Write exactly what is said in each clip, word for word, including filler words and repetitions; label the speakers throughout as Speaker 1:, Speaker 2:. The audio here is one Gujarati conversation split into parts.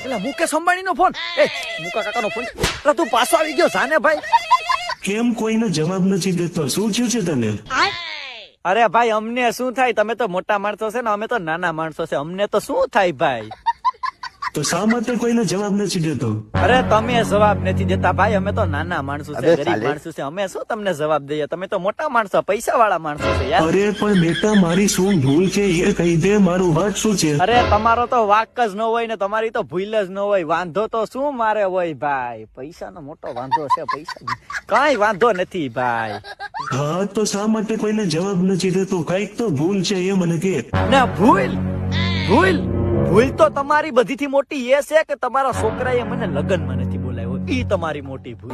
Speaker 1: એટલે મુકેશ અંબાણી નો ફોન. એ મુકા કાકા નો ફોન. એટલે તું પાછો આવી ગયો જાને ભાઈ.
Speaker 2: કેમ કોઈને જવાબ નથી દેતો? શું થયું છે તને?
Speaker 1: અરે ભાઈ અમને શું થાય, તમે તો મોટા માણસો છે ને, અમે તો નાના માણસો છે, અમને તો શું થાય ભાઈ.
Speaker 2: તો શા માટે કોઈને જવાબ નથી દેતો?
Speaker 1: અરે તમે જવાબ નથી દેતા ભાઈ, અમે તો નાના માણસો છે, ગરીબ માણસો છે, અમે શું તમને જવાબ દઈએ, તમે તો મોટા માણસો, પૈસા વાળા માણસો છે યાર.
Speaker 2: અરે પણ બેટા મારી શું ભૂલ છે એ કહી દે, મારું વાત શું છે?
Speaker 1: અરે તમારો તો વાક જ ન હોય ને તમારી તો ભૂલ જ ન હોય, વાંધો તો શું મારે હોય ભાઈ, પૈસાનો મોટો વાંધો છે, પૈસા કઈ વાંધો નથી ભાઈ.
Speaker 2: હા તો શા માટે કોઈને જવાબ નથી દેતો? કઈક તો ભૂલ છે એ મને કે.
Speaker 1: ના ભૂલ ભૂલ ભૂલ તો તમારી બધીથી મોટી એ છે કે તમારા છોકરાએ મને લગ્નમાં નથી બોલાવ્યો, ઈ તમારી મોટી ભૂલ.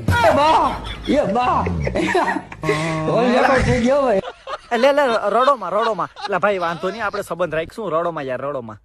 Speaker 1: લે લે રડોમાં રડોમાં એટલે ભાઈ વાંધો નહીં, આપણે સંબંધ રાખીશું, રડોમાં યાર રડોમાં.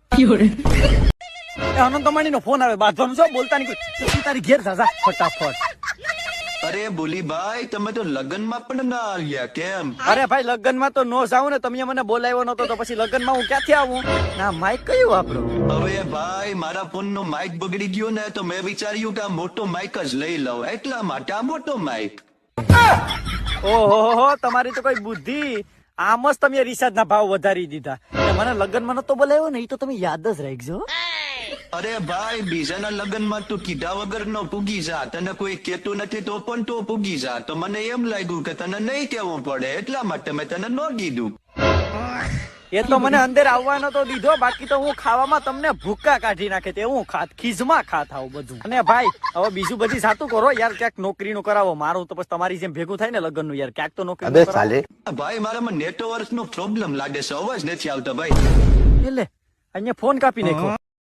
Speaker 1: અનંત અંબાણી નો ફોન આવે, બાંધવાનું છો, બોલતા નહીં કોઈ, તારી ઘેર જા જા ફટાફટ.
Speaker 3: અરે બોલીભાઈ, તમે તો લગ્નમાં પણ ના આવ્યા કેમ?
Speaker 1: અરે ભાઈ લગ્નમાં તો નો જાઉં ને, તમે મને બોલાવ્યો નતો તો પછી લગ્નમાં હું ક્યાંથી આવું? ના માઇક કયું વાપરો?
Speaker 3: હવે ભાઈ મારા ફોન નો માઇક બગડી ગયો ને, તો મેં વિચાર્યું કે આ મોટો માઇક જ લઈ લઉં, એટલા માટે આ મોટો માઇક.
Speaker 1: ઓહો તમારી તો કોઈ બુદ્ધિ, આમ જ તમે રિચાર્જ ના ભાવ વધારી દીધા. મને લગ્નમાં નતો બોલાવ્યો ને, એ તો તમે યાદ જ રાખજો.
Speaker 3: અરે ભાઈ બીજાના લગ્નમાં તું કીધા વગર નો પૂગી જા, તને કોઈ કેતું નથી તો પણ તું પૂગી જા, તો મને એમ લાગ્યું કે તને નહીં કેવું પડે, એટલા માટે મેં તને ન કીધું.
Speaker 1: એ તો મને અંદર આવવાનો તો દીધો, બાકી તો હું ખાવામાં તમને ભૂક્કા કાઢી નાખે તે હું ખાત ખીજમાં ખાત આવું બધું. અને ભાઈ હવે બીજું બધી જાતું કરો યાર, ક્યાંક નોકરી નું કરાવો, મારું તો પછી તમારી જેમ ભેગું થાય ને લગ્ન નું યાર, ક્યાંક તો નોકરી કરાવો.
Speaker 3: ભાઈ મારામાં નેટવર્ક નો પ્રોબ્લેમ લાગે છે, અવાજ નથી આવતો ભાઈ.
Speaker 1: એટલે અહીંયા ફોન કાપી નાખો.